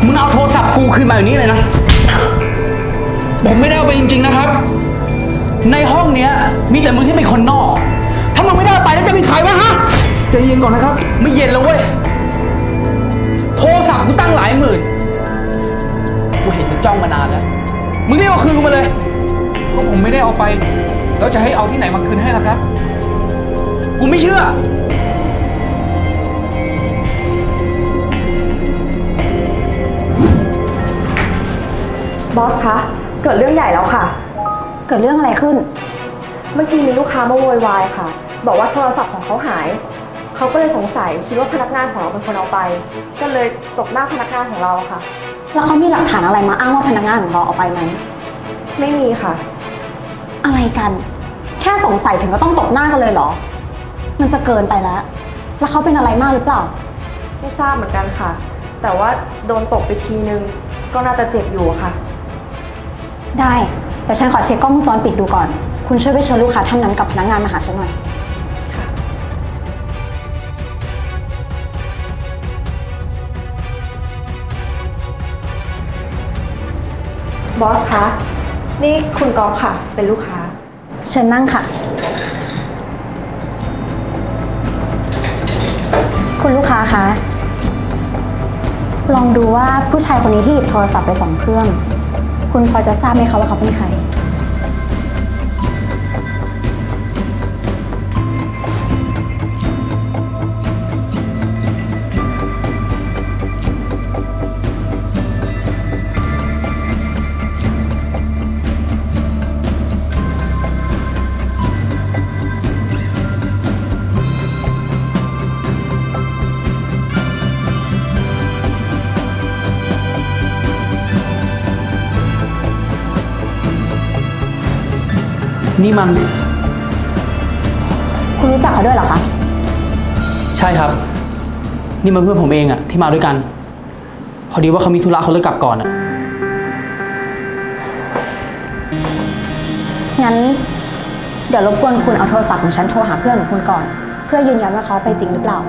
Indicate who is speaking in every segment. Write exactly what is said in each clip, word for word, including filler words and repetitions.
Speaker 1: มึงเอาโทรศัพท์กูคืนมาอย่างนี้เลยนะผมไม่ได้เอาไปจริงๆนะครับในห้องเนี้ยมีแต่มึงที่เป็นคนนอกถ้ามึงไม่ได้เอาไปแล้วจะมีใครวะฮะใจเย็นก่อนนะครับไม่เย็นแล้วเว้ยโทรศัพท์กูตั้งหลายหมื่นกูเห็นมันจ้องมานานแล้วมึงรีบเอาคืนกูมาเลยก็ผมไม่ได้เอาไปแล้วจะให้เอาที่ไหนมาคืนให้ล่ะครับกูไม่เชื่อบ
Speaker 2: อสคะเกิดเรื่องใหญ่แล้วค่ะ
Speaker 3: เกิดเรื่องอะไรขึ้น
Speaker 2: เมื่อกี้มีลูกค้ามาโวยวายค่ะบอกว่าโทรศัพท์ของเขาหายเขาก็เลยสงสัยคิดว่าพนักงานของเราเป็นคนเอาไปก็เลยตบหน้าพนักงานของเราค่ะ
Speaker 3: แล้วเขามีหลักฐานอะไรมาอ้างว่าพนักงานของเราเอาไปไหม
Speaker 2: ไม่มีค่ะ
Speaker 3: อะไรกันแค่สงสัยถึงก็ต้องตบหน้ากันเลยเหรอมันจะเกินไปแล้วแล้วเขาเป็นอะไรมากหรือเปล่า
Speaker 2: ไม่ทราบเหมือนกันค่ะแต่ว่าโดนตบไปทีนึงก็น่าจะเจ็บอยู่ค่ะ
Speaker 3: ได้เดี๋ยวฉันขอเช็คกล้องวงจรปิดดูก่อนคุณช่วยไปเชิญลูกค้าท่านนั้นกับพนักงานมาหาฉันหน่อย
Speaker 2: บอสคะนี่คุณก๊อฟค่ะเป็นลูกค้า
Speaker 3: เชิญนั่งค่ะคุณลูกค้าคะลองดูว่าผู้ชายคนนี้ที่หยิบโทรศัพท์ไปสองเครื่องคุณพอจะทราบไหมคะว่าเขาเป็นใคร
Speaker 1: นี่มัน
Speaker 3: คุณรู้จักเขาด้วยเหรอคะ
Speaker 1: ใช่ครับนี่มันเพื่อนผมเองอะที่มาด้วยกันพอดีว่าเขามีธุระเขาเลยกลับก่อนอะ
Speaker 3: งั้นเดี๋ยวรบกวนคุณเอาโทรศัพท์ของฉันโทรหาเพื่อนของคุณก่อนเพื่อยืนยันว่าเขาไปจริงหรือเปล่า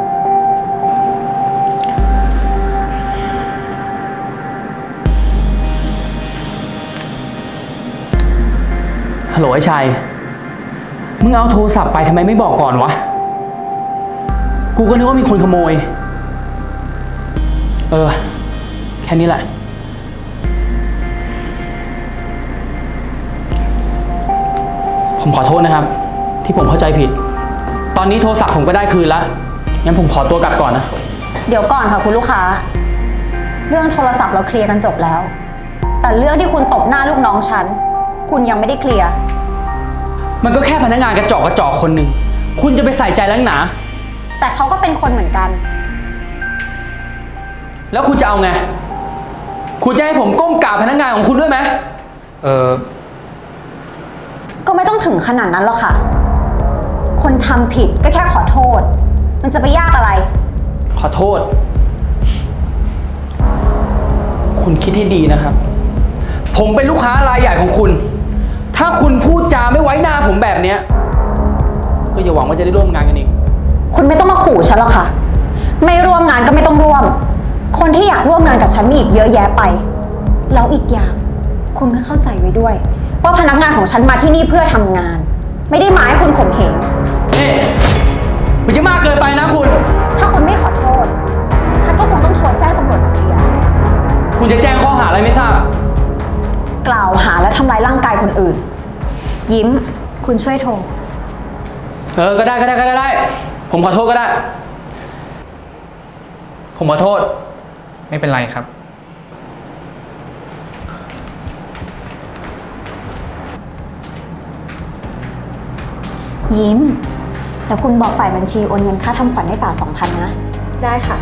Speaker 1: ฮัลโหลไอ้ชัยมึงเอาโทรศัพท์ไปทำไมไม่บอกก่อนวะกูก็นึกว่ามีคนขโมยเออแค่นี้แหละผมขอโทษนะครับที่ผมเข้าใจผิดตอนนี้โทรศัพท์ผมก็ได้คืนแล้วงั้นผมขอตัวกลับก่อนนะ
Speaker 3: เดี๋ยวก่อนค่ะคุณลูกค้าเรื่องโทรศัพท์เราเคลียร์กันจบแล้วแต่เรื่องที่คุณตบหน้าลูกน้องฉันคุณยังไม่ได้เคลียร์
Speaker 1: มันก็แค่พนักงานกระจอกกระจอกคนหนึ่งคุณจะไปใส่ใจแล้วหนา
Speaker 3: แต่เขาก็เป็นคนเหมือนกัน
Speaker 1: แล้วคุณจะเอาไงคุณจะให้ผมก้มกราบพนักงานของคุณด้วยไหมเออ
Speaker 3: ก็ไม่ต้องถึงขนาดนั้นหรอกค่ะคนทำผิดก็แค่ขอโทษมันจะไปยากอะไร
Speaker 1: ขอโทษคุณคิดให้ดีนะครับผมเป็นลูกค้ารายใหญ่ของคุณถ้าคุณพูดจาไม่ไว้หน้าผมแบบนี้ก็อย่าหวังว่าจะได้ร่วมงานกันอีก
Speaker 3: คุณไม่ต้องมาขู่ฉันหรอกค่ะไม่ร่วมงานก็ไม่ต้องร่วมคนที่อยากร่วมงานกับฉันมีอีกเยอะแยะไปแล้วอีกอย่างคุณก็เข้าใจไว้ด้วยว่าพนักงานของฉันมาที่นี่เพื่อทำงานไม่ได้มาให้คุณข่มเหง
Speaker 1: นี่มันจะมากเกินไปนะคุณ
Speaker 3: ถ้าคุณไม่ขอโทษฉันก็คงต้องโทรแจ้งตำรวจมาเคลียร์
Speaker 1: คุณจะแจ้งข้อหาอะไรไม่ทราบ
Speaker 3: กล่าวหาและทำร้ายร่างกายคนอื่นยิ้มคุณช่วยโทร
Speaker 1: เออก็ได้ก็ได้ก็ได้ได้ผมขอโทษก็ได้ผมขอโทษไม่เป็นไรครับ
Speaker 3: ยิ้มเดี๋ยวคุณบอกฝ่ายบัญชีโอนเงินค่าทำขวัญให้ป่าสองพันนะ
Speaker 2: ได้ค่ะ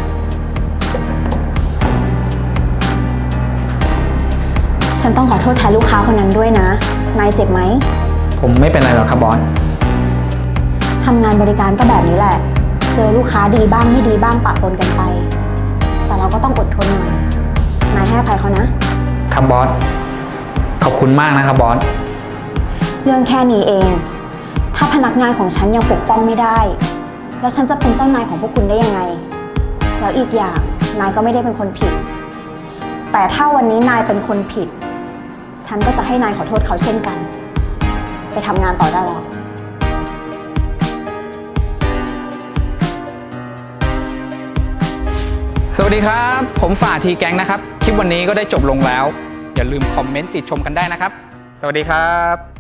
Speaker 3: ฉันต้องขอโทษแทนลูกค้าคนนั้นด้วยนะนายเจ็บไหม
Speaker 1: ผมไม่เป็นไรหรอกครับบอส
Speaker 3: ทำงานบริการก็แบบนี้แหละเจอลูกค้าดีบ้างไม่ดีบ้างปะปนกันไปแต่เราก็ต้องอดทนหน่อยนายให้อภัยเขานะครับ
Speaker 1: บอสขอบคุณมากนะครับบอส
Speaker 3: เรื่องแค่นี้เองถ้าพนักงานของฉันยังปกป้องไม่ได้แล้วฉันจะเป็นเจ้านายของพวกคุณได้ยังไงแล้วอีกอย่างนายก็ไม่ได้เป็นคนผิดแต่ถ้าวันนี้นายเป็นคนผิด ฉันก็จะให้นายขอโทษเขาเช่นกัน ไปทำงานต่อได้แล้ว
Speaker 1: สวัสดีครับ ผมฝ่าทีแก๊งนะครับ คลิปวันนี้ก็ได้จบลงแล้ว อย่าลืมคอมเมนต์ติดชมกันได้นะครับ สวัสดีครับ